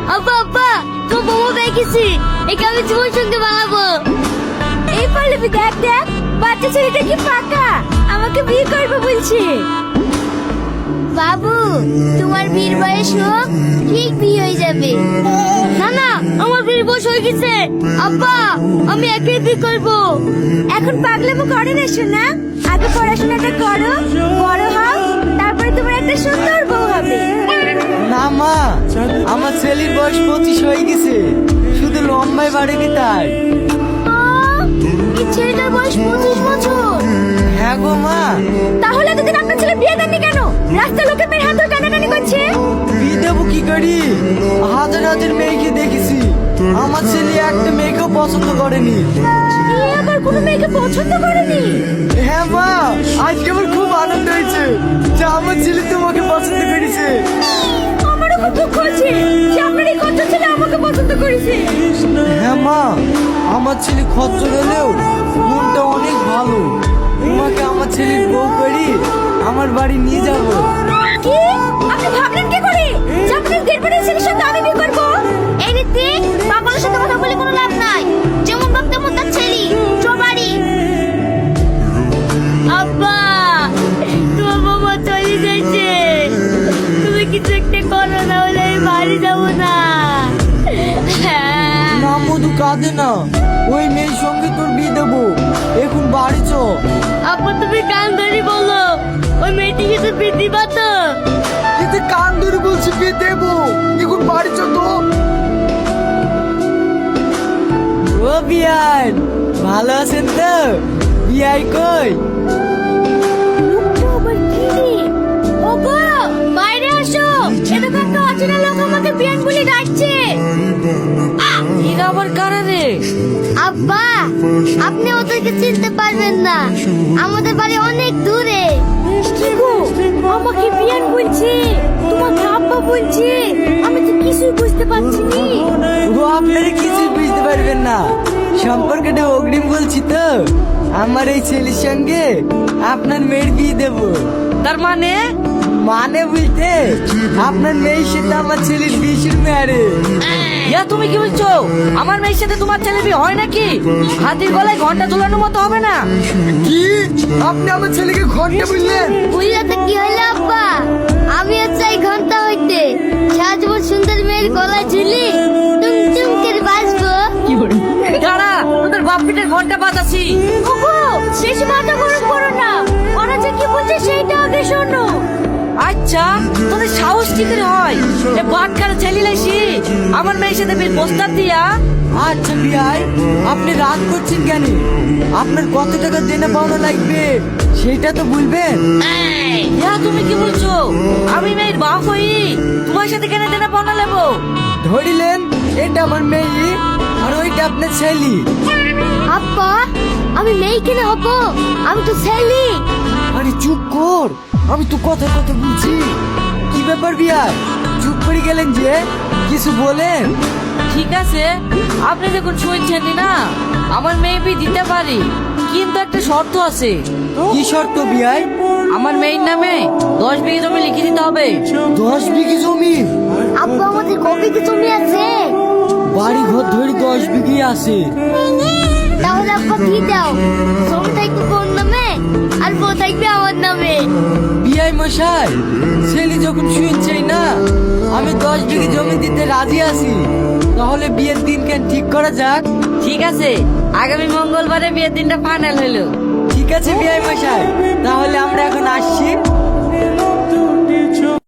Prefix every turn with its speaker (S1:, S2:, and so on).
S1: আব্বা আব্বা তো বউ দেখেছি একে আমি জীবন সঙ্গে বানাবো। এই পল্লবী দেখ দেখ বাচ্চা ছেলেটা কি পাকা, আমাকে বিয়ে করবে বলছে। বাবু তোমার বিয়ের বয়স হোক ঠিক বিয়ে হয়ে যাবে। না না আমার বিয়ের বয়স হয়ে গেছে আব্বা, আমি একে বিয়ে করবো। এখন পাগলামো করে না শোনা, আগে পড়াশোনাটা করো, বড় হও, তারপরে তোমার একটা সুন্দর বউ হবে।
S2: না মা, আমার ছেলের বয়স 25 হয়ে গেছে, শুধু লম্বায় বাড়েনি তাই।
S1: এই ছেলেটার বয়স 25 বছর?
S2: হ্যাঁ গো মা।
S1: তাহলে এতদিন আপনার ছেলে বিয়ে দেননি কেন? রাস্তায় লোকে মেয়ের হাত ধরে টানাটানি করছে।
S2: বিয়ে দেবো কি করি, হাজার হাজার মেয়েকে দেখেছি, আমার ছেলে একটা মেয়েকেও পছন্দ করেনি।
S1: এ আবার কোনো মেয়েকে পছন্দ করেনি?
S2: হ্যাঁ মা, আজকে আমার খুব আনন্দ হয়েছে যে আমার ছেলে তোমাকে পছন্দ করেছে।
S1: আমারও খুব দুঃখ হচ্ছে যে আপনার এই কত ছেলে আমাকে পছন্দ করেছে।
S2: হ্যাঁ মা, আমার ছেলে খচ্চর হলেও মনটা অনেক ভালো, তোমাকে আমার ছেলের বউ করি আমার বাড়ি নিয়ে যাব।
S1: কি আপনি ভাবলেন কি করে যে আপনার গেরবাড়ির ছেলের সাথে আমি বিয়ে করব? এই নীতি পাগলের সাথে কথা বলে কোনো লাভ নাই, যেমন বাপ তেমন তার ছেলে, চো বাড়ি। আব্বা তোমার বাবা চলে যাচ্ছে, তুমি কিছু একটা করো না হলে আমি বাড়ি যাবো না।
S2: না মধু কাঁদে না, ওই মেয়ের সঙ্গে তোর বিয়ে দেবো, এখন বাড়ি চ।
S1: আব্বা তুমি কান ধরে বলো ওই মেয়েটিকে তো বিয়ে দিবা তো?
S2: এতে কান ধরে বলছি বিয়ে দেবো, এখন বাড়ি চ তো। ও বিয়ান, ভালো আছেন তো? বিয়াই কই?
S1: আবার কি রে? ওগো বাইরে আসো, এটা তো একটা অচেনা লোক আমাকে বিয়ান বলে ডাকছে।
S2: এরা আবার কারা রে?
S1: আব্বা আপনি ওদেরকে চিনতে পারবেন না, আমাদের বাড়ি অনেক দূরে। কি গো আমাকে বিয়ান বলছে, তোমাকে আব্বা বলছে, আমি তো কিছুই বুঝতে পারছি না।
S2: ও আপনারা কিছুই বুঝতে পারবেন না, সম্পর্কটা অগ্রিম বলছি তো, আমার এই ছেলের সঙ্গে আপনার মেয়ের বিয়ে দেবো।
S3: তার মানে
S2: মানে বলতে আপনার মেয়ের সাথে আমার ছেলের বিয়ে শুরু আরে।
S3: ইয়া তুমি কি বলছো? আমার মেয়ের সাথে তোমার ছেলে বিয়ে হয় নাকি? হাতির গলায় ঘন্টা ঝোলানোর মতো হবে না।
S2: কি আপনি আমার ছেলেকে ঘন্টা বললেন?
S1: বুঝলাতে কি হইলো আব্বা, আমি চাই ঘন্টা হইতে, সারা জীবন সুন্দর মেয়ের গলায় ঝুলি টুমটুম করে বাজবো।
S3: দাঁড়া, তোদের বাপ পিঠের ঘন্টা বাজাচ্ছি।
S1: ওগো বেশি মাথা গরম করো না, ওরা যে কি বলছে সেইটা আগে শোনো।
S3: আচ্ছা তোদের সাহস কি করে হয় এ বাটকার ছেলে লাইছি আমার মেয়ের সাথে বিয়ের প্রস্তাব দিয়া?
S2: আচ্ছা বিয়াই, আপনি রাগ করছেন কেন? আপনার কত টাকা দেনা পাওনা লাগবে সেটা তো বলবেন।
S3: ইয়া তুমি কি বলছো? আমি মেয়ের বাপ হই, তোমার সাথে কেন দেনা পাওনা নেবো?
S2: ধরিলেন এটা আমার মেয়ে আর ওইটা আপনার ছেলে।
S1: আব্বা আমি মেয়ে কিনে হবো, আমি তো ছেলে।
S2: আরে চুপ কর, আমি তো কথা কথা বলছি। কি ব্যাপার বিয়াই, চুপ করে গেলেন যে, কিছু বলেন?
S3: ঠিক আছে আপনি যখন শুনছেন না, আমার মেয়ে বিয়ে দিতে পারি, কিন্তু একটা শর্ত আছে।
S2: কি শর্ত বিয়াই?
S3: আমার মেয়ের নামে 10 বিঘে জমি লিখে দিতে হবে।
S2: 10 বিঘে জমি?
S1: আব্বা আমাদের কবে কি জমি আছে?
S2: বাড়ি ঘর ধরে 10 বিঘে আছে।
S1: তাহলে আব্বা কি দাও, জমি থাকবে কোন নামে আর বউ থাকবে আমার নামে।
S2: বিয়াই মশাই, ছেলে যখন শুনছেই না আমি 10 বিঘে জমি দিতে রাজি আছি, তাহলে বিয়ের দিন কেন ঠিক করা যাক।
S3: ঠিক আছে আগামী মঙ্গলবারে বিয়ের দিনটা ফাইনাল হলো।
S2: ঠিক আছে বিয়াই মশাই, তাহলে